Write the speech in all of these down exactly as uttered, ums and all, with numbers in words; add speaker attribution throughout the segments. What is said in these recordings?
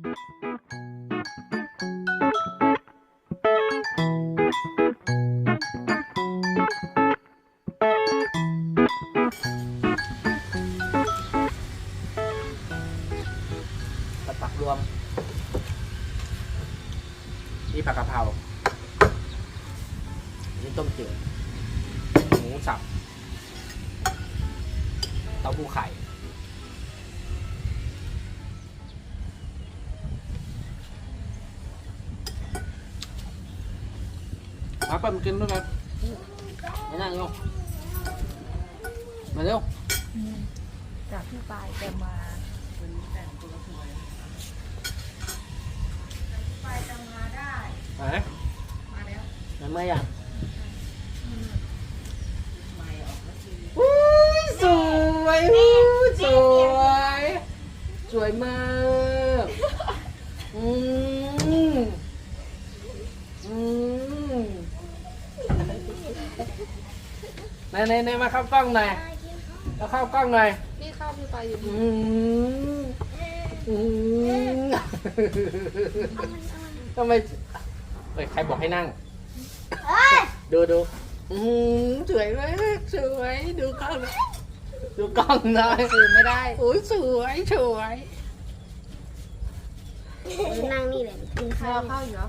Speaker 1: ผักรวมนี่ผักกะเพรานี่ต้มจืดหมูสับเต้าหู้ไข่มาไปมากินด้วยกันมานั่งโยมมาเร็ว
Speaker 2: จากพี่ปายจะมาวันนี้แต่งตัวสวยพี่ปายจะมาได้
Speaker 1: ไหน
Speaker 2: มาแล้ว
Speaker 1: มันไม่อยาก
Speaker 2: ไม่ออกแล้วที
Speaker 1: อู้สวยอู้สวยสวยมากอืมอืมไหนไหนไหนมาเข้ากล้องหน่อยมาเข้ากล้องหน่อย
Speaker 2: นี่ข้าวพี่ปายอยู่
Speaker 1: อืมอืมทำไมเฮ้ยใครบอกให้นั่งดูดูอืมสวยมากสวยดูกล้องดูกล้องหน่อย
Speaker 2: ตื่นไม่ได้
Speaker 1: โอ้ยสวยสวย
Speaker 3: นั่งนี่เลยกิน
Speaker 2: ร
Speaker 3: ข้า
Speaker 2: อ
Speaker 3: ว
Speaker 2: ข้าวอยู่เหรอ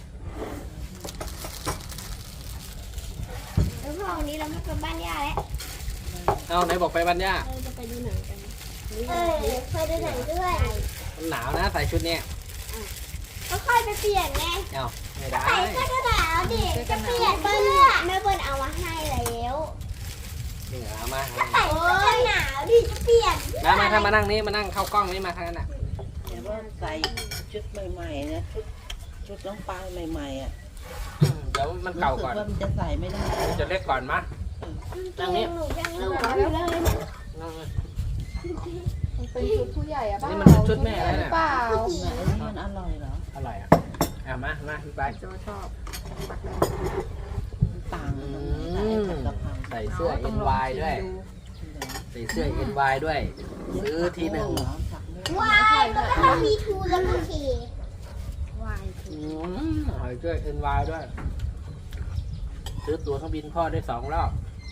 Speaker 3: แล้วพอวันนี้เราไม่ไปบ้านย่าแล้ว
Speaker 1: เอาไหนบอกไปบ้านย่า
Speaker 3: เราจะไปดูหนังกันเออไปดูหนังด้วย
Speaker 1: มันหนาวนะใส่ชุดเนี้ย
Speaker 3: ก็ค่อยไปเปลี่ยนไง
Speaker 1: เอาไม่ได้
Speaker 3: ใส่เสื้อกันหนาวดิจะเปลี่ยนเสื้อแม่เปิ้ลเอามาให้แล้ว
Speaker 1: นี่เหรอมา
Speaker 3: ใส่เสื้อกันหนาวดิจะเปลี่ยน
Speaker 1: มามาถ้ามานั่งนี้มานั่งเข้ากล้องนี่มาทางนั้นอ่ะ
Speaker 4: แต่ว่าใส่ชุดใหม่ๆนะชุดชุดน้องปลายใหม่ๆอ่ะ
Speaker 1: เดี๋ยวมันเก่าก่อน
Speaker 4: รู้สึว่ามันจะใส่ไม่ได้
Speaker 1: จะเล็กก่อนมา
Speaker 3: นั่งนี่หนูยังหนูอยู่เลย
Speaker 1: นั่งเลย
Speaker 2: มันเป็นชุดผู้ใหญ่อะเปล่า
Speaker 1: นี่มันชุดแม่แล้วเนี่ย
Speaker 2: เปล่า
Speaker 4: ไหนมันอร่อยเหรอ
Speaker 1: อร่อยอ่ะเอามามาพี่ไป
Speaker 2: โจชอบปักแดง
Speaker 4: มันต่างกันตรงไหนใส่ผัดกะเพรา
Speaker 1: ใส่เสื้อ เอ็น วาย ด้วย ใส่เสื้อ เอ็น วาย ด้วย ซื้อทีหนึ่ง
Speaker 4: เหรอผักเรื่อง
Speaker 3: วายก็ต้องมีทูแล้วก็เค
Speaker 2: วาย
Speaker 1: อืมใส่เสื้อ เอ็น วาย ด้วย ซื้อตั๋วเครื่องบินพ่อได้สองรอบ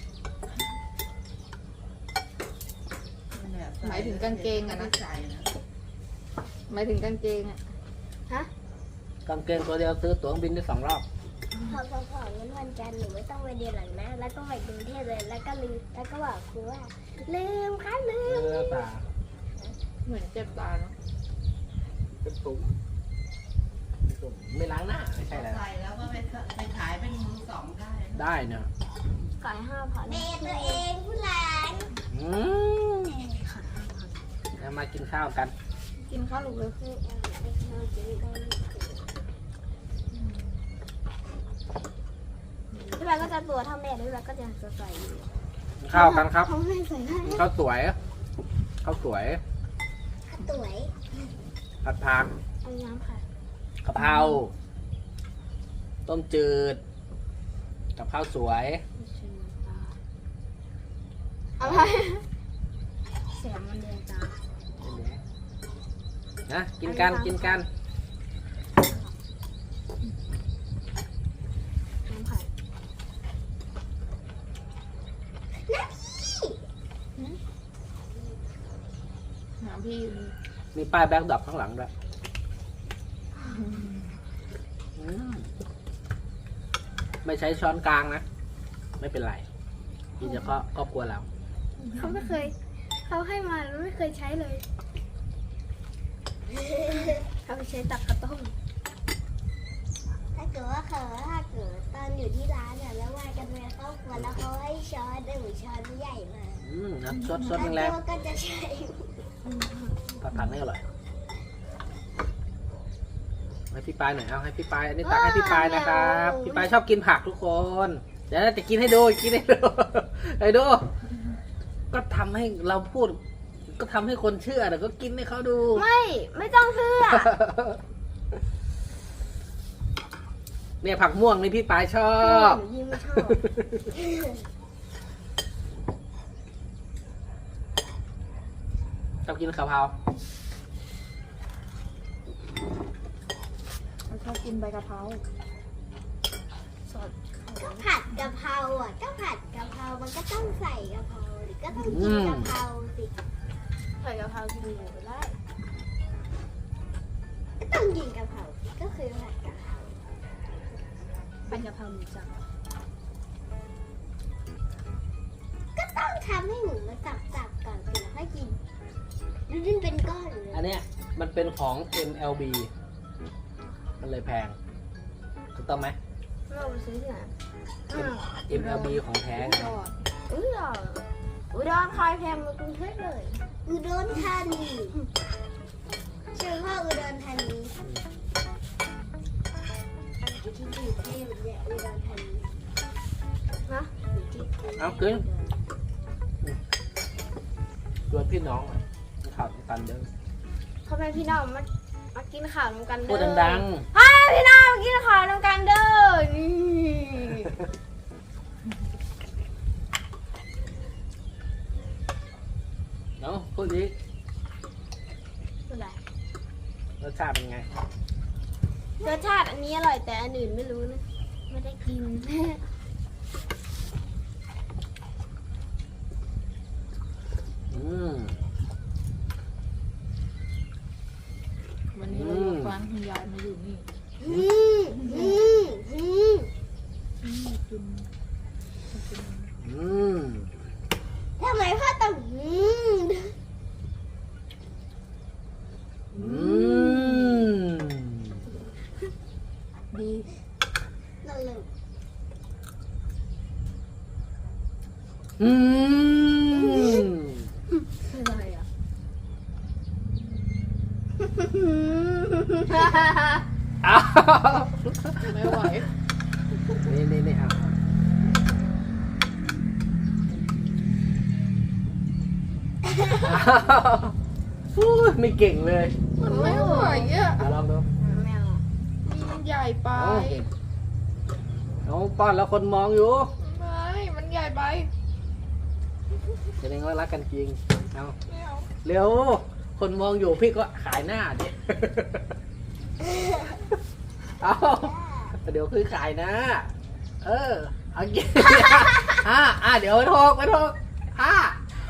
Speaker 2: หมายถึงกางเกงอะนะ
Speaker 4: ใส่นะ
Speaker 2: หมายถึงกางเกงอะ
Speaker 1: กางเกงตัวเดียวซื้อตั๋วเครื่องบินได้สองรอบ
Speaker 3: พอพอพองั้นวันจันทร์หนูไม่ต้องไปเรียนหลังนะ แล้วก็ไปกรุงเทพเลย แล้วก็ลืม แล้วก็บอกครูว่า ลืมค่ะลื
Speaker 1: เอ
Speaker 3: ม
Speaker 1: อตา
Speaker 2: เหมือนเจ็บตาเนาะ
Speaker 1: เป็นตุ่มเป็นตุ่มไม่ล้างหน้าไม่ใช่แล้ว
Speaker 4: ใส่แล้วก็ไปไปขายเป็นมือสองได้
Speaker 1: ได้เนอะ
Speaker 3: ก่อยห้าพันเมตัวเองผู้หลาน
Speaker 1: อืมแล้วมากินข้าวกัน
Speaker 2: กินข้าวลูกเลย
Speaker 3: พี่แบงก็จะตัวเท่าแม่พี่แบงก็จะใส่อยู่
Speaker 1: กินข้าวกันครับ
Speaker 3: เขาไม่ใส่ได้
Speaker 1: ข้าวสวยข้าวสวย
Speaker 3: สวย
Speaker 1: ผัดผัก
Speaker 3: เอาน้ำค่ะ
Speaker 1: กะเพราต้มจืดกับข้าวสวย
Speaker 3: อะไรเสียงมันเรียนตา
Speaker 1: นะกินกันกินกัน
Speaker 3: น้ำค่ะ
Speaker 2: น้ำพี่อยู่นี่
Speaker 1: มีป้ายแบ็คดรอปข้างหลังด้วยอืมไม่ใช้ช้อนกลางนะ ไม่เป็นไรกินเฉพาะครอบครัวเรา
Speaker 3: เขาไม่เคย เขาให้มาแล้วไม่เคยใช้เลย เขาไปใช้ตักกระต้มถ้าเกิดว่าเขาถ้าเกิดตอนอยู่ที่ร้านเนี่ยแล้วว่ากันเป็นครอบครัวแล้วเขาให้ช้อนหนึ่งช้อนใหญ่มา
Speaker 1: อืมนะสดสดแรง
Speaker 3: แล้วก็จะใช้
Speaker 1: ๆผัดผักนี่อร่อยให้พี่ปายหน่อยเอาให้พี่ปายอันนี้ตักให้พี่ปายนะครับพี่ปายชอบกินผักทุกคนเดี๋ยวจะกินให้ดูกินให้ดู ให้ดูก็ทำให้เราพูด ก็ทำให้คนเชื่อแต่ก็กินให้เขาดู
Speaker 3: ไม่ไม่ต้องเชื่อ
Speaker 1: เนี่ยผักม่วงนี่พี่ปายชอบ
Speaker 3: หนูยิ่งไม่ชอบ
Speaker 1: ชอบกินกะเพรา
Speaker 2: เขากินใบกะเพราสด
Speaker 3: ก็ผัดกะเพราอ่ะก็ผัดกะเพรามันก็ต้องใส่กะเพราหรือก็ต้องกินกะเพราสิ
Speaker 2: ใส่กะเพรากินหมูก็ได้
Speaker 3: ก็ต้องกินกะเพราสิก็คือผัดกะเพรา
Speaker 2: เป็นกะเพราหมูสับ
Speaker 3: ก็ต้องทำให้หมูมันสับๆก่อนสิแล้วค่อยกินแล้วมันเป็นก้อนเลย
Speaker 1: อันเนี้ยมันเป็นของ เอ็ม แอล บี มันเลยแพงถูกต้องไหม
Speaker 2: เราไปซื้อที่ไหน
Speaker 1: เอ็ม แอล บี ของแท้ไง
Speaker 2: อุดรอุดรคอยแพงมากรุงเทพเลย
Speaker 3: อุดรธานีชื่อพ่ออุดรธานีอยู่ที่กรุงเทพเนี่ยอุดรธานี
Speaker 2: ฮะ
Speaker 3: อยู่ที่กรุงเทพ
Speaker 1: เอาขึ้นชวนพี่น้องมาข่าวกันเด้อ
Speaker 2: พ่อแม่พี่น้องมามากินข้าวน้ำกันเด้อ
Speaker 1: พูดดัง
Speaker 2: พ่อแม่พี่น้องมากินข้าวน้ำกันเด้อนี่
Speaker 1: ๆเนาะพูดดิ
Speaker 2: อะไร
Speaker 1: รสชาติเป็นไง
Speaker 2: รสชาติอันนี้อร่อยแต่อันอื่นไม่รู้นะไม่ได้กิน
Speaker 1: อืม
Speaker 2: วันนี้เราอยู่ฟังคุณยายมาอยู่นี่
Speaker 3: อืมอืมอืม
Speaker 2: อืมกินกิน
Speaker 1: อืม
Speaker 3: ทำไมพ่อต้องอืม
Speaker 1: อืม
Speaker 2: ดี
Speaker 3: นั่นเลย
Speaker 1: อืม
Speaker 2: คืออะไรอ่ะ
Speaker 1: อ้าว
Speaker 2: ไม่ไหว
Speaker 1: นี่นี่นี่เอาอ้าวอู้ยไม่เก่งเลย
Speaker 2: มันไม่ไหวอ่ะ
Speaker 1: เอาลองดู
Speaker 3: แมว
Speaker 2: มันใหญ่ไป
Speaker 1: เอาป้อนแล้วคนมองอยู่
Speaker 2: ไม่ มันใหญ่ไป
Speaker 1: แสดงว่ารักกันจริง เอา
Speaker 2: ไม่เอา
Speaker 1: เร็ว คนมองอยู่พี่ก็ขายหน้าดิ เอาเดี๋ยวคือขายหน้า เออ เอากิน อ่าอ่าเดี๋ยวไปโทกไปโทกอ่า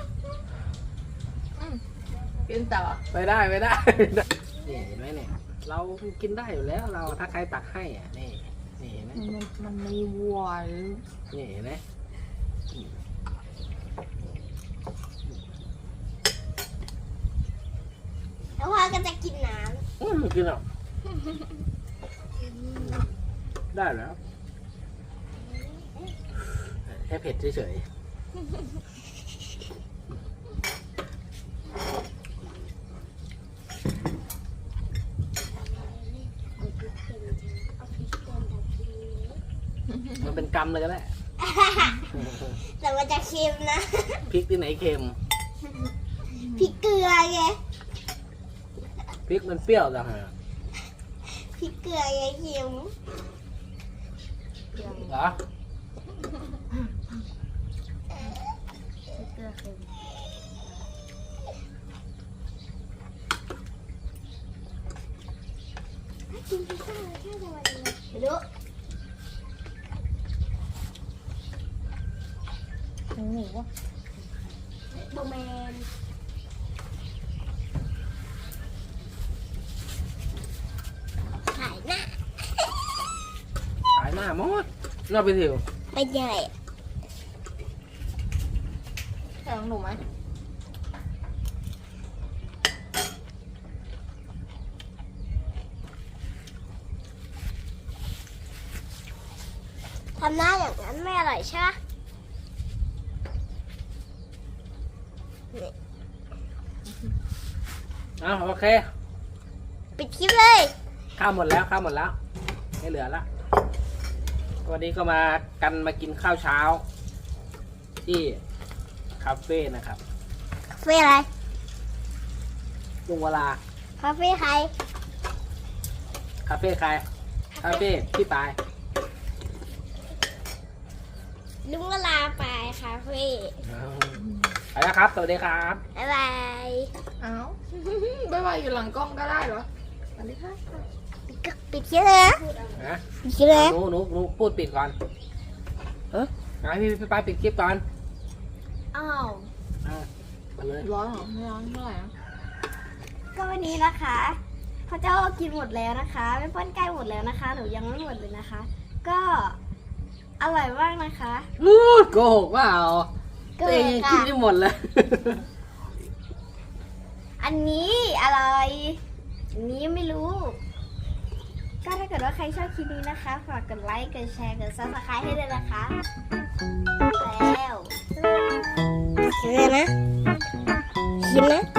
Speaker 2: กินต่อ
Speaker 1: ไปได้ไปได้ นี่เห็นไหมเนี่ย เรากินได้อยู่แล้วเราถ้าใครตักให้อ่ะ นี่ นี่เห็นไหม
Speaker 2: มันมันมีวัวหรือ
Speaker 1: นี่เห็นไหม
Speaker 3: แล้วพ่อก็จะกินน้
Speaker 1: อืมกินหรอกได้แล้วแค่เผ็ดเฉยๆมันเป็นกรรมเลยก็ได้
Speaker 3: ำแต่มันจะเค็มนะ
Speaker 1: พริกที่ไหนเค็ม
Speaker 3: พริกเกลือไง
Speaker 1: พริกมันเปรี้ยวจังฮะ
Speaker 3: พริกเกลือไงเค็ม
Speaker 1: เหรอ
Speaker 2: เกลือเค็ม
Speaker 3: กินพิซซ่าแค่จะวันนี้ไม่รู้
Speaker 2: หมูหมูวะ
Speaker 3: โบแมนขายหน้า
Speaker 1: ขายหน้าหมดน่าไปถิว
Speaker 3: ไปใหญ่
Speaker 2: ใช่ของหนูไหม
Speaker 3: ทำหน้าอย่างนั้นไม่อร่อยใช่ไหม
Speaker 1: อ้าวโอเค
Speaker 3: ปิดคลิปเลย
Speaker 1: ข้าวหมดแล้วข้าวหมดแล้วไม่เหลือละวันนี้ก็มากันมากินข้าวเช้า ที่คาเฟ่นะครับ
Speaker 3: คาเฟ่อะไร
Speaker 1: ลุงเวลา
Speaker 3: คาเฟ่ใคร
Speaker 1: คาเฟ่ใครคาเฟ่พี่ปาย
Speaker 3: ลุงก็ลาไปคาเฟ่
Speaker 1: ไปแล้วครับ สวัสดีครับ
Speaker 3: บ๊ายบาย
Speaker 2: เอ้า บ๊ายบายอยู่หลังกล้องก็ได้เหรอสวัสดีค่ะ
Speaker 3: ปิดคลิปเลยนะ
Speaker 1: นะ
Speaker 3: ปิดคลิปเลยนะ
Speaker 1: หนูหนูหนูพูดปิดก่อน
Speaker 4: เอ๊ะ
Speaker 1: ให้พี่พี่ปายปิดคลิปก่อน
Speaker 2: อ้าว
Speaker 1: อ่ะมาเลย
Speaker 2: ร้อนเหรอไม่ร้อนเท่าไหร่นะ
Speaker 3: ก็วันนี้นะคะพระเจ้ากินหมดแล้วนะคะไม่ป้อนใกล้หมดแล้วนะคะ หนูยังไม่หมดเลยนะคะ ก็อร่อยมากนะคะ
Speaker 1: พูดโกหกว่าเอา
Speaker 3: ก็
Speaker 1: ตัวเองยังกินไม่หมดเลย
Speaker 3: อันนี้อะไร อันนี้ไม่รู้ ก็ถ้าเกิดว่าใครชอบคลิปนี้นะคะ ฝากกดไลค์ กดแชร์ กดซับสไครต์ให้ด้วยนะคะ แล้วคิดเลยนะคิดนะ